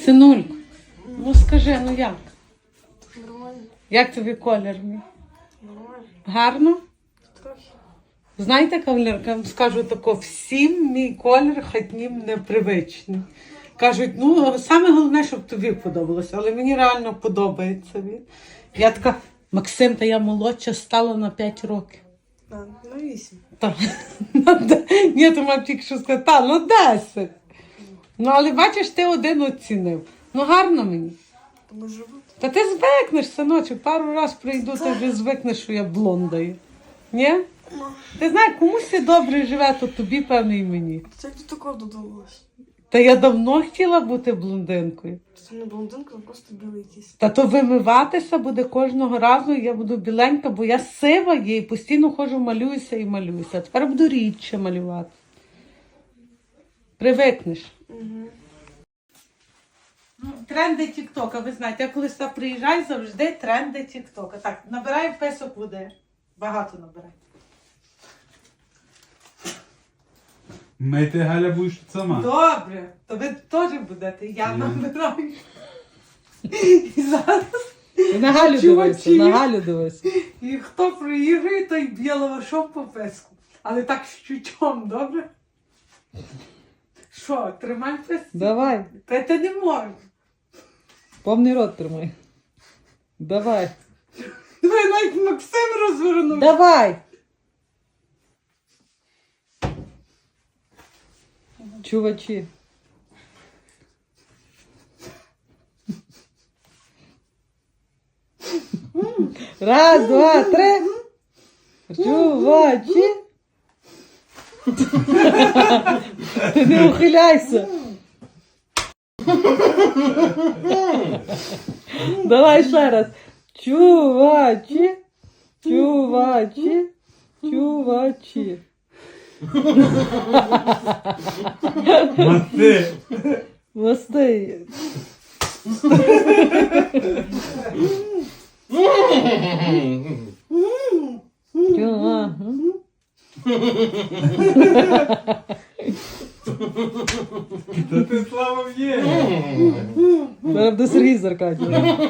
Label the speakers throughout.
Speaker 1: Синульку, ну скажи, ну як?
Speaker 2: Нормально.
Speaker 1: Як тобі колір мій?
Speaker 2: Нормально.
Speaker 1: Гарно?
Speaker 2: Трохи.
Speaker 1: Знаєте, кавалерка, я вам скажу тако, всім мій колір хатнім непривичний. Кажуть, ну, саме головне, щоб тобі подобалося, але мені реально подобається він. Я така, Максим, та я молодша стала на 5 років.
Speaker 2: На 8.
Speaker 1: Та, ні, то мав тільки що сказати, та, ну 10. Ну, але бачиш, ти один оцінив. Ну, гарно мені.
Speaker 2: То може бути.
Speaker 1: Та ти звикнеш, синочок, пару раз прийду, ти вже звикнеш, що я блонда є. Ні?
Speaker 2: Ну.
Speaker 1: Ти знаєш, комусь добре живе, то тобі, певно, і мені.
Speaker 2: Це як до такого додумалась.
Speaker 1: Та я давно хотіла бути блондинкою.
Speaker 2: Це не блондинка, а просто білий якийсь.
Speaker 1: Та то вимиватися буде кожного разу, я буду біленька, бо я сива є і постійно ходжу, малююся і малююся. А тепер буду рідше малювати. Привикнеш.
Speaker 2: Угу.
Speaker 1: Ну, тренди Тік-Тока, ви знаєте, я коли сюди приїжджаю, завжди тренди Тік-Тока. Так, набираю песок води. Багато набирай.
Speaker 3: Мити, Галя, будеш сама.
Speaker 1: Добре, то ви теж будете, я набираю. І зараз
Speaker 4: На Галю дивися, на Галю дивися.
Speaker 1: і хто проігрує, той б'є лавашом по песку. Але так з чучом, добре? Що, тримай песку?
Speaker 4: Давай,
Speaker 1: Та ти не можеш.
Speaker 4: повний рот тримай. Давай.
Speaker 1: Давай навіть Максим розвернув.
Speaker 4: Давай. Чувачі. Раз, два, три. Чувачі. Ти не ухиляйся. Давай ще раз. Чувачі. Чувачі. Чувачі.
Speaker 3: Мати.
Speaker 4: Мости. Чува.
Speaker 3: Та ти слава є.
Speaker 4: Зараз до Сергій Заркадів.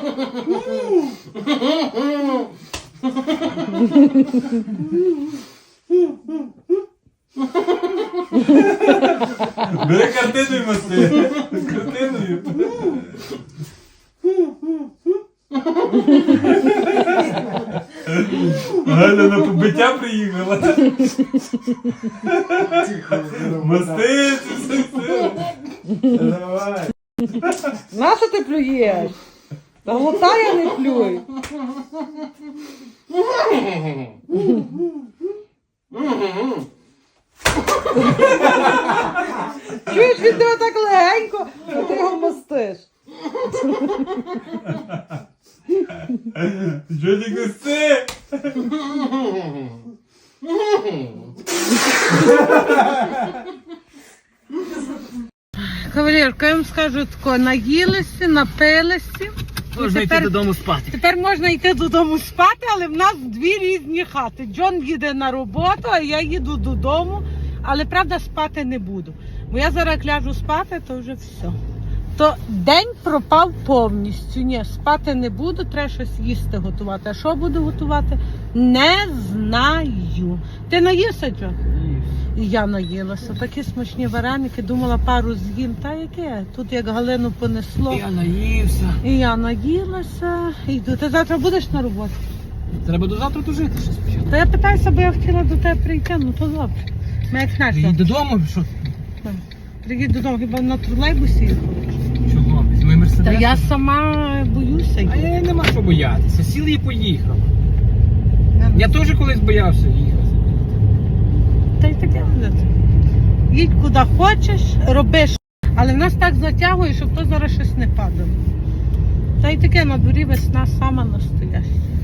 Speaker 3: Бери картиною, Маси. З картиною. Галя на побиття приїхала. Мости, все. Давай.
Speaker 4: Нащо ти плюєш? Та глотає, не плюй. Чуєш, він тебе так легенько, а ти його мостиш.
Speaker 3: Що ти кусти?
Speaker 1: Кавалерка, я вам скажу тако, наїлися, напилися.
Speaker 5: Можна йти додому спати.
Speaker 1: Тепер можна йти додому спати, але в нас дві різні хати. Джон їде на роботу, а я їду додому. Але, правда, спати не буду. Бо я зараз як ляжу спати, то вже все. То день пропав повністю. Ні, спати не буду, треба щось їсти готувати. А що буду готувати? Не знаю. Ти наївся, Джон? І я наїлася. Такі смачні вареники, думала пару з'їм. Та яке? Тут як Галину понесло.
Speaker 5: Я наївся.
Speaker 1: І я наїлася. Йду. Ти завтра будеш на роботі?
Speaker 5: Треба до завтра дожити ще спочатку.
Speaker 1: Та я питаюся, бо я хотіла до тебе прийти, ну то добре. Ми як знаєш,
Speaker 5: Приїдь додому, що?
Speaker 1: приїдь додому, хіба на тролейбусі їхати?
Speaker 5: Чого? Візьми мерседес.
Speaker 1: Та я сама боюся.
Speaker 5: А я нема що боятися. Сіл і поїхав. Я теж колись боявся їхати.
Speaker 1: Та й таке буде. Їдь куди хочеш, робиш. Але в нас так затягує, щоб то зараз щось не падало. Та й таке на дворі весна сама настояща.